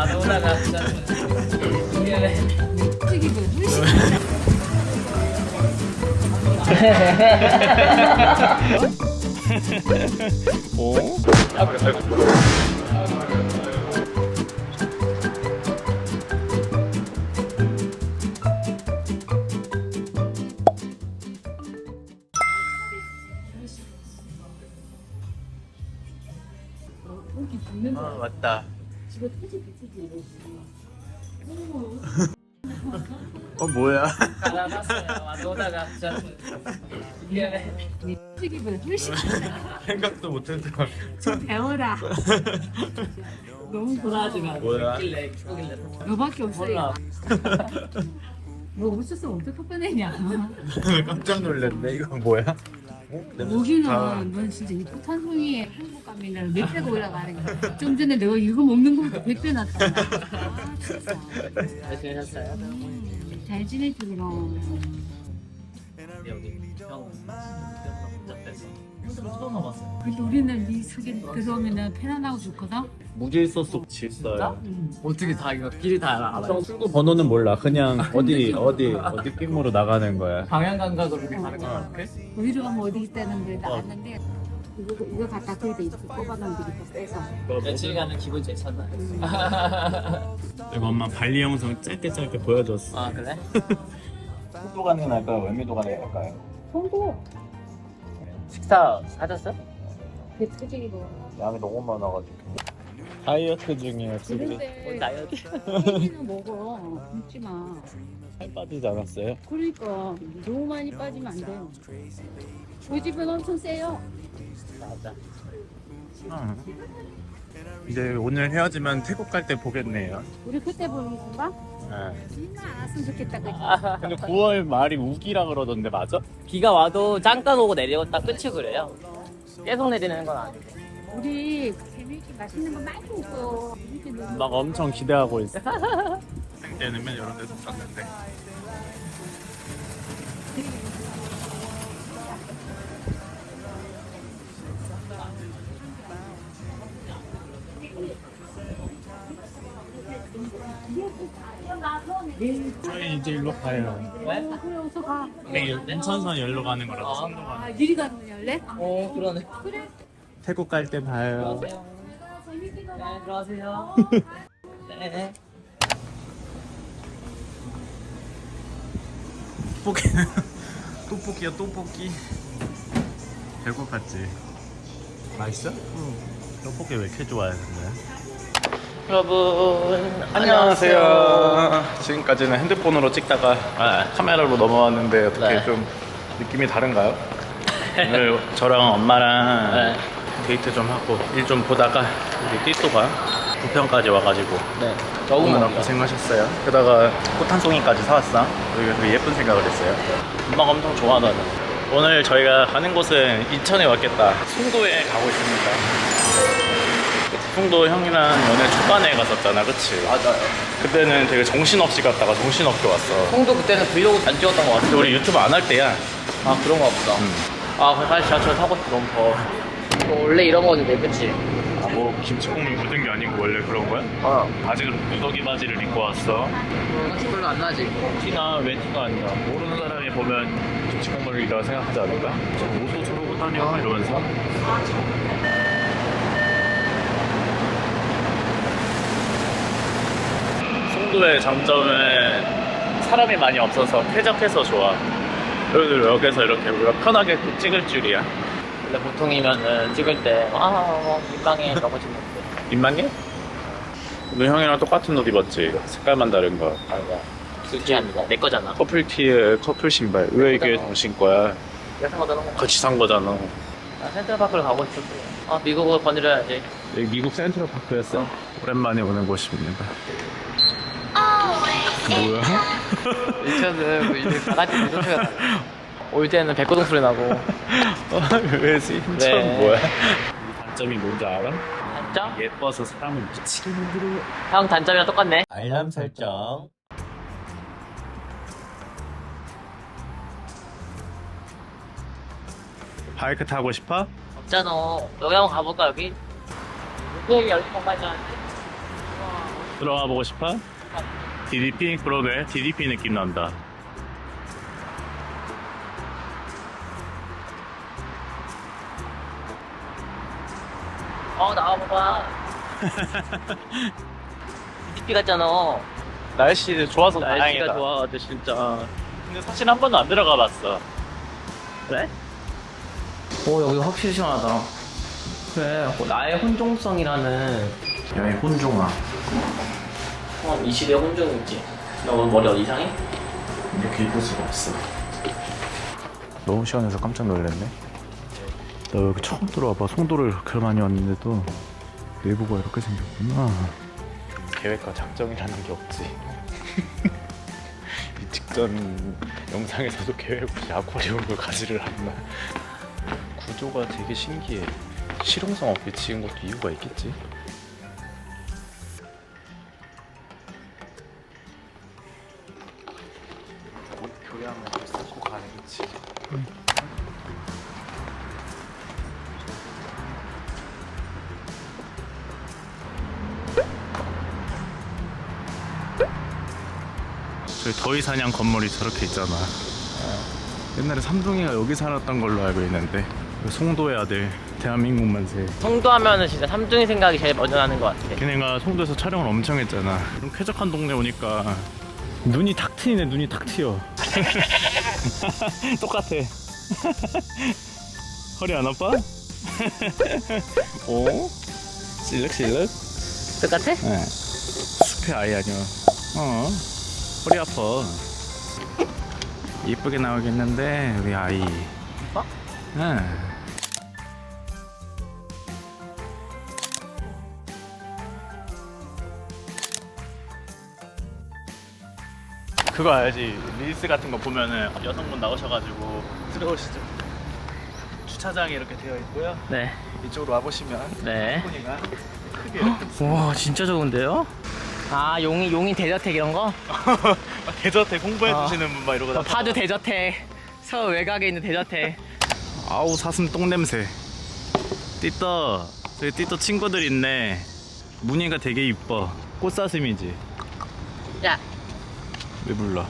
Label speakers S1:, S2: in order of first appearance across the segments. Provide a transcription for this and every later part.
S1: 안 오다가 진짜 미안해.
S2: 오? 아 맞다. 뭐야?
S1: 알아봤어요. 안 오다가 진짜 미안해.
S3: 튀김을 훨씬
S2: 생각도 못했던.
S3: 배워라. 너무
S1: 불하지 마.
S2: 뭐야?
S1: 있길래 있길래.
S3: 너밖에 없어요.
S1: 몰라.
S3: 너 없었으면 어떻게 뻔했냐.
S2: 깜짝 놀랐네. 이거 뭐야?
S3: 여기는 넌 진짜 이 포탄송이에 한국 가면은 몇 배가 올라가는 거야. 좀 전에 내가 이거 먹는 거보다 100배 낫다. 아 진짜.
S1: 잘 지내셨어요?
S3: 잘 지내지 그럼.
S1: 여기 형 복잡해서 처음 와봤어요.
S3: 그래도 우리는 네 속에 들어오면은 편안하고 좋거든.
S2: 무질서 속 질서요.
S1: 어떻게 다 이거 길이 다 알아요?
S2: 출구 번호는 몰라. 그냥 어디 낌으로 나가는 거야.
S1: 방향 감각으로 이렇게 가는 거 같아?
S3: 어디로 가면 어디 있다는 걸 나왔는데 이거 갖다 거기다 이렇게 꼽아놓으면 되겠다 빼서.
S1: 며칠간은 기분 괜찮나요?
S2: 이거 엄마 발리 영상 짧게 보여줬어.
S1: 아 그래?
S2: 송도 가는 게 나을까요? 월미도 가는 게 나을까요?
S3: 송도
S1: 식사 하셨어요?
S3: 배 터지기로.
S2: 양이 너무 많아가지고. 다이어트 중이에요 지금.
S3: 그런데
S1: 다이어트.
S3: 혜진은 먹어. 굶지 마.
S2: 살 빠지지 않았어요?
S3: 그러니까 너무 많이 빠지면 안 돼요. 그 집은 엄청 세요.
S1: 맞아.
S2: 이제 오늘 헤어지면 태국 갈 때 보겠네요.
S3: 우리 그때 보는 건가?
S2: 네.
S3: 진짜 알았으면 좋겠다 그지?
S2: 근데 9월 말이 우기라 그러던데 맞아?
S1: 비가 와도 잠깐 오고 내리고 딱 끝이 그래요. 계속 내리는 건 아니고.
S3: 우리 재미있게 맛있는 거 많이 먹고 재밌게 놀고.
S2: 막 엄청 기대하고 있어. 학생 때는 맨 이런 데서 샀는데. 저희 이제 일로 가요.
S1: 왜?
S3: 그래 어서 가.
S2: 인천선 열로 가는 거라서 송도
S3: 아
S2: 가는.
S3: 미리 가는 열래?
S1: 어 그러네.
S3: 그래.
S2: 태국 갈 때 봐요.
S1: 들어가세요.
S3: 재밌게
S1: 네
S3: 놀아.
S1: 들어가세요. 네.
S2: 떡볶이야 떡볶이. 배고팠지? 맛있어? 응. 떡볶이 왜 이렇게 좋아해 근데?
S1: 여러분
S2: 안녕하세요. 지금까지는 핸드폰으로 찍다가 카메라로 넘어왔는데 어떻게
S1: 네.
S2: 좀 느낌이 다른가요? 오늘 저랑 엄마랑
S1: 네.
S2: 데이트 좀 하고 일 좀 보다가 우리 띠또가 부평까지 와가지고
S1: 네.
S2: 너무나
S1: 적응
S2: 고생하셨어요. 게다가 꽃 한 송이까지 사왔어. 우리가 되게 예쁜 생각을 했어요. 엄마가 엄청 좋아하더라고요. 오늘 저희가 가는 곳은 인천에 왔겠다. 송도에 가고 있습니다. 송도 형이랑 연애 초반에 갔었잖아, 그치?
S1: 맞아요.
S2: 그때는 되게 정신없이 갔다가 정신없게 왔어.
S1: 형도 그때는 브이로그 안 찍었던 것
S2: 근데
S1: 같은데.
S2: 우리 유튜브 안 할 때야.
S1: 아 그런가 보다. 아 사실 지하철 타고 싶어 너무 더워. 원래 이런 거였는데 그치?
S2: 뭐 김치국물 묻은 게 아니고 원래 그런 거야? 바지를 무더기 바지를 입고 왔어.
S1: 티 별로 안 나지?
S2: 티나 왜 티가 안 나? 모르는 사람이 보면 김치국물이라고 생각하지 않을까? 저 옷도 저러고 다녀 이러면서. 송도의 장점은 사람이 많이 없어서 쾌적해서 좋아. 그리고 여기서 이렇게 우리가 편하게 찍을 줄이야.
S1: 원래 보통이면은 찍을 때 민망해 이러고 찍는데.
S2: 민망해? 오늘 형이랑 똑같은 옷 입었지? 색깔만 다른 거.
S1: 아니야. 둘째합니다. 내 거잖아.
S2: 커플티에 커플 신발. 왜 이게 당신 거야?
S1: 내가 산 거잖아.
S2: 같이 산 거잖아.
S1: 나 센트럴파크를 가고 싶었어. 아 미국을 거느려야지.
S2: 여기 미국 센트럴 파크였어? 오랜만에 오는 곳입니다. 뭐야?
S1: 인천은 이제 다 같이 리조트가 달라. 올 때는 백고동 소리 나고.
S2: 왜지? 인천
S1: 네.
S2: 뭐야? 이 단점이 뭔지 알아?
S1: 단점?
S2: 예뻐서 사람을 미치게 만들어.
S1: 형 단점이랑 똑같네.
S2: 알람 설정. 바이크 타고 싶어?
S1: 없잖아. 여기 한번 가볼까 여기? 여기 열린 공간이잖아.
S2: 들어가 보고 싶어? DDP? 그러게 DDP 느낌 난다.
S1: 나와봐봐. DP 같잖아.
S2: 날씨 좋아서
S1: 날씨가
S2: 다행이다.
S1: 좋아가지고 진짜.
S2: 근데 사실 한 번도 안 들어가 봤어.
S1: 그래? 여기 확실히 시원하다. 그래, 나의 혼종성이라는.
S2: 야이 혼종아.
S1: 이 시대의 혼종이 있지. 너 오늘 머리 어디 이상해?
S2: 이렇게 입을 수가 없어. 너무 시원해서 깜짝 놀랐네. 나 여기 처음 들어와봐. 송도를 그렇게 많이 왔는데도 내부가 이렇게 생겼구나. 계획과 작정이라는 게 없지. 이 직전 영상에서도 계획 없이 아쿠아리움을 가지를 않나. 구조가 되게 신기해. 실용성 없게 지은 것도 이유가 있겠지. 교양을 쓰고 가는 거지. 저희 더위사냥 건물이 저렇게 있잖아. 옛날에 삼둥이가 여기 살았던 걸로 알고 있는데 송도의 아들 대한민국 만세.
S1: 송도 하면은 진짜 삼중이 생각이 제일 먼저 나는 것 같아.
S2: 걔네가 송도에서 촬영을 엄청 했잖아. 좀 쾌적한 동네 오니까 눈이 탁 트이네. 눈이 탁 트여. 똑같아. 허리 안 아파? 오? 실룩실룩?
S1: 똑같아?
S2: 네. 숲의 아이 아니야. 허리 아파. 이쁘게 나오겠는데 우리 아이.
S1: 어?
S2: 네. 그거 알지? 릴스 같은 거 보면은 여성분 나오셔가지고 들어오시죠. 주차장이 이렇게 되어 있고요.
S1: 네.
S2: 이쪽으로 와보시면
S1: 네.
S2: бал코니가 크게 이렇게
S1: 와, 진짜 좋은데요? 용인 대저택 이런 거?
S2: 대저택 홍보해주시는 분 막 이러고
S1: 파주 대저택. 서울 외곽에 있는 대저택.
S2: 아우 사슴 똥냄새. 띠떠 저기 띠떠 친구들 있네. 무늬가 되게 이뻐. 꽃사슴이지.
S1: 야.
S2: 왜 불러?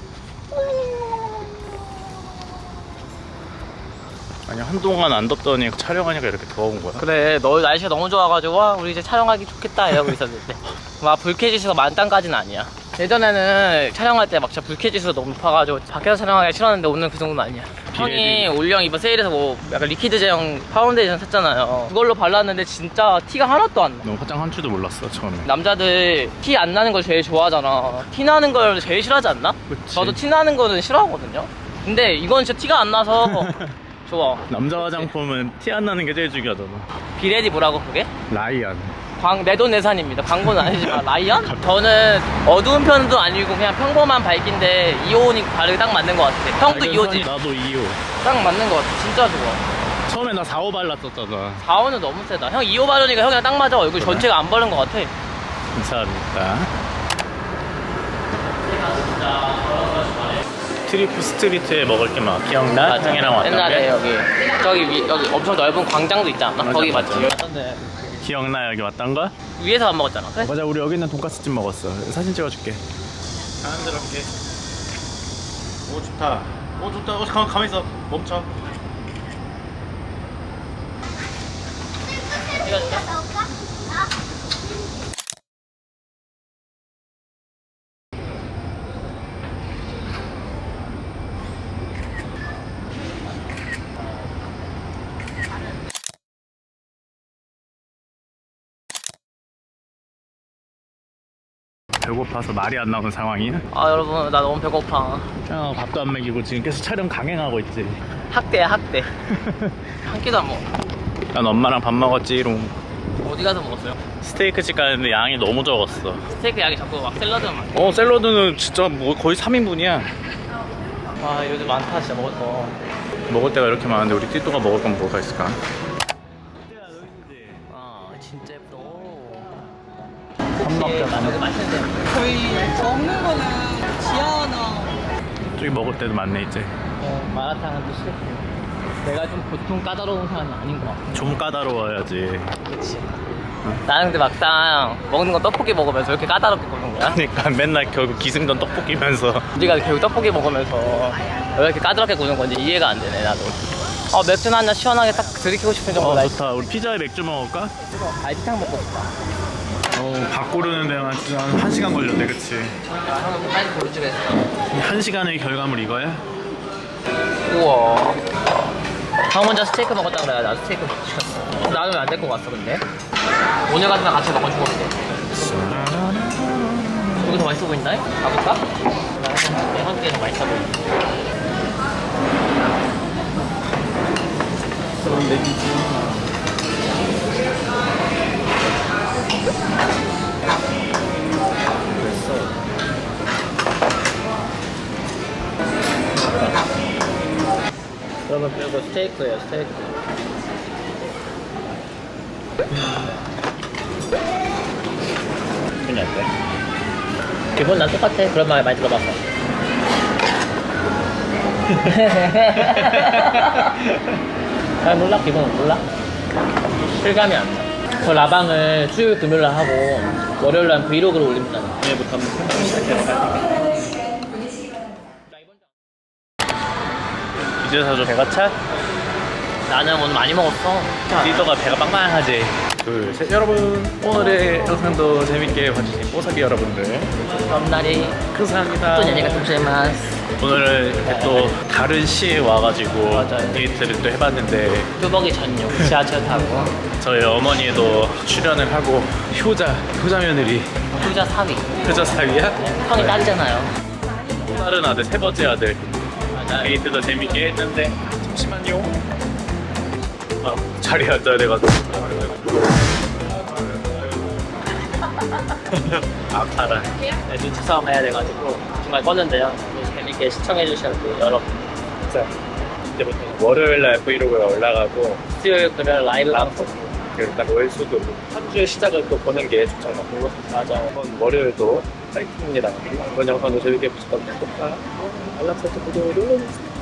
S2: 아니 한동안 안 덥더니 촬영하니까 이렇게 더운 거야.
S1: 그래, 너 날씨가 너무 좋아가지고 와, 우리 이제 촬영하기 좋겠다 이러고 있었는데 막 불쾌지수가 만땅까지는 아니야. 예전에는 촬영할 때 막 진짜 불쾌지수가 너무 높아가지고 밖에서 촬영하기 싫었는데 오늘 그 정도는 아니야. 형이 올영 이번 세일에서 뭐 약간 리퀴드 제형 파운데이션 샀잖아요. 그걸로 발랐는데 진짜 티가 하나도 안 나.
S2: 너 화장 한 줄도 몰랐어 처음에.
S1: 남자들 티 안 나는 걸 제일 좋아하잖아. 티 나는 걸 제일 싫어하지 않나?
S2: 그치.
S1: 저도 티 나는 거는 싫어하거든요. 근데 이건 진짜 티가 안 나서 좋아.
S2: 남자 화장품은 티 안 나는 게 제일 중요하잖아.
S1: 비레디 뭐라고 그게?
S2: 라이언.
S1: 내돈내산입니다. 광고는 아니지만 라이언? 저는 어두운 편도 아니고 그냥 평범한 밝기인데 2호니 바르기 딱 맞는 것 같아. 형도 2호지?
S2: 나도 2호.
S1: 딱 맞는 것 같아. 진짜 좋아.
S2: 처음에 나 4호 발랐었잖아.
S1: 4호는 너무 세다. 형 2호 바르니까 형이랑 딱 맞아. 얼굴
S2: 그래?
S1: 전체가 안 바른 것 같아.
S2: 감사합니다. 트리프 스트리트에 먹을 게 막 기억나?
S1: 맞아.
S2: 형이랑 왔던
S1: 옛날에
S2: 게?
S1: 여기 엄청 넓은 광장도 있지 않나?
S2: 맞아,
S1: 거기
S2: 맞아.
S1: 맞지?
S2: 기억나 여기 왔던 거?
S1: 위에서 안 먹었잖아. 그래?
S2: 맞아 우리 여기 있는 돈까스집 먹었어. 사진 찍어줄게. 자연스럽게. 오 좋다. 오 좋다. 가만히 있어. 멈춰. 배고파서 말이 안 나오는 상황이야?
S1: 여러분 나 너무 배고파.
S2: 밥도 안 먹이고 지금 계속 촬영 강행하고 있지.
S1: 학대야 학대. 한 끼도 안 먹어.
S2: 난 엄마랑 밥 먹었지롱.
S1: 어디 가서 먹었어요?
S2: 스테이크 집 가는데 양이 너무 적었어.
S1: 스테이크 양이 자꾸 막 샐러드만 많아.
S2: 샐러드는 진짜 뭐 거의 3인분이야.
S1: 와 요즘 많다 진짜 먹을 거.
S2: 먹을 때가 이렇게 많은데 우리 띠또가 먹을 건 뭐가 있을까?
S1: 진짜 예쁘다.
S2: 삼박자
S1: 여기 맛있는데.
S4: 저희 먹는 거는 지하나
S2: 저기 먹을 때도 많네 이제.
S1: 마라탕은 또 싫고. 내가 좀 보통 까다로운 사람이 아닌 것 같아.
S2: 좀 까다로워야지.
S1: 그치. 나는 근데 막상 먹는 건 떡볶이 먹으면서 왜 이렇게 까다롭게 굽는 거야?
S2: 그러니까 맨날 결국 기승전 떡볶이면서.
S1: 우리가 결국 떡볶이 먹으면서 왜 이렇게 까다롭게 구는 건지 이해가 안 되네 나도. 맥주 한잔 시원하게 딱 들이키고 싶은 정도 나 있어.
S2: 좋다. 우리 피자에 맥주 먹을까?
S1: 갈비탕 먹고 싶다.
S2: 밥 고르는 데만 진짜 한 1시간 걸렸네, 그치?
S1: 형은 빨리 고르지 그랬어.
S2: 1시간의 결과물 이거야?
S1: 우와. 형 혼자 스테이크 먹었다 그래. 나도 스테이크 먹고 싶었어. 나는 왜 안 데리고 갔어 근데? 오늘 같은 날 같이 먹어 죽었는데. 여기 더 맛있어 보인다? 가볼까? 내 한국에 더 맛있어 보인다. 그런 내기지. 그러면 그리고 스테이크예요, 스테이크.
S2: 그냥 어때?
S1: 기본 난 똑같아. 그런 말 많이 들어봤어. 잘 몰라? 기본은 몰라? 실감이 안 나. 저 라방을 수요일 금요일 하고 월요일 날 브이로그를 올립니다.
S2: 오늘부터 한번 생각을 시작해볼까? 이제서 좀 배가 차?
S1: 나는 오늘 많이 먹었어.
S2: 리더가 배가 빵빵하지. 둘, 셋. 여러분, 오늘의 영상도 재밌게 봐주신 뽀사기 여러분들
S1: 럼날이
S2: 감사합니다.
S1: 또 얘기가 좀 재마스.
S2: 오늘은 이렇게 또 다른 시에 와가지고
S1: 맞아요.
S2: 데이트를 또 해봤는데
S1: 뚜벅이 전용 지하철 타고
S2: 저희 어머니도 출연을 하고 효자 며느리
S1: 후자 사위.
S2: 효자 사위야?
S1: 형이 딸이잖아요.
S2: 또 다른 아들 세 번째 아들
S1: 맞아요.
S2: 데이트도 재밌게 했는데 잠시만요. 자리에 앉아야 돼가지고 아파라.
S1: 네, 눈치 싸움 해야 돼가지고 정말 껐는데요. 재밌게 시청해주셨고 여러분.
S2: 자 이제부터 월요일날 브이로그가 올라가고
S1: 수요일 금요일 라이브 방송.
S2: 일단 월수도 한 주의 시작을 또 보는 게 좋잖아.
S1: 맞아요.
S2: 이번 월요일도 파이팅입니다. 이번 영상도 재밌게 보셨다면 구독과 알람 설정 구독을 눌러주세요.